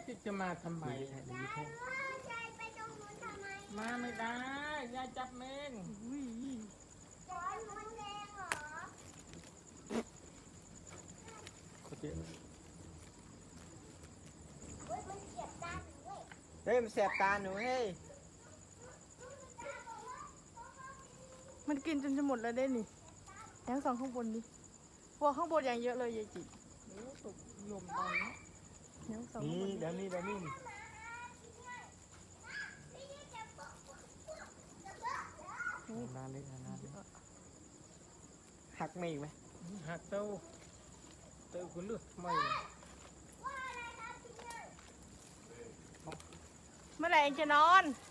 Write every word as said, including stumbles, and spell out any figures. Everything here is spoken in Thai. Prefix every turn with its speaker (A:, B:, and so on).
A: จะมาทำไม
B: ดีแท้ดีแท้
C: ยายไปตรงนู้นทำไม
A: มาไม่ได้ยายจับเมง
C: ก้อนมันแดงเหรอ
B: เขาเจ็บ
C: เฮ้ยมันเจ็บตาหนูเว้ย
B: เฮ้ยมันแสบตาหนูเฮ้ย
D: มันกินจนจะหมดแล้วได้นี่ยังสองข้างบนดิพวกข้างบนอย่างเยอะเลยยายจิ
A: โอ้ตกลมตอนนี้
D: ยังสอง
B: นี่
D: ข้างบน
B: เดี๋ยวนี้เดี๋ยวนี้
C: พี่จะบอกจะบอก
B: นานเลยนานเลยหักไม่อีกไหม
A: หักเต้าเต้าคุณเลือกไม่
C: ว่าอะไรครับพี่เนี่ย
D: เมื่อไหร่เองจะนอน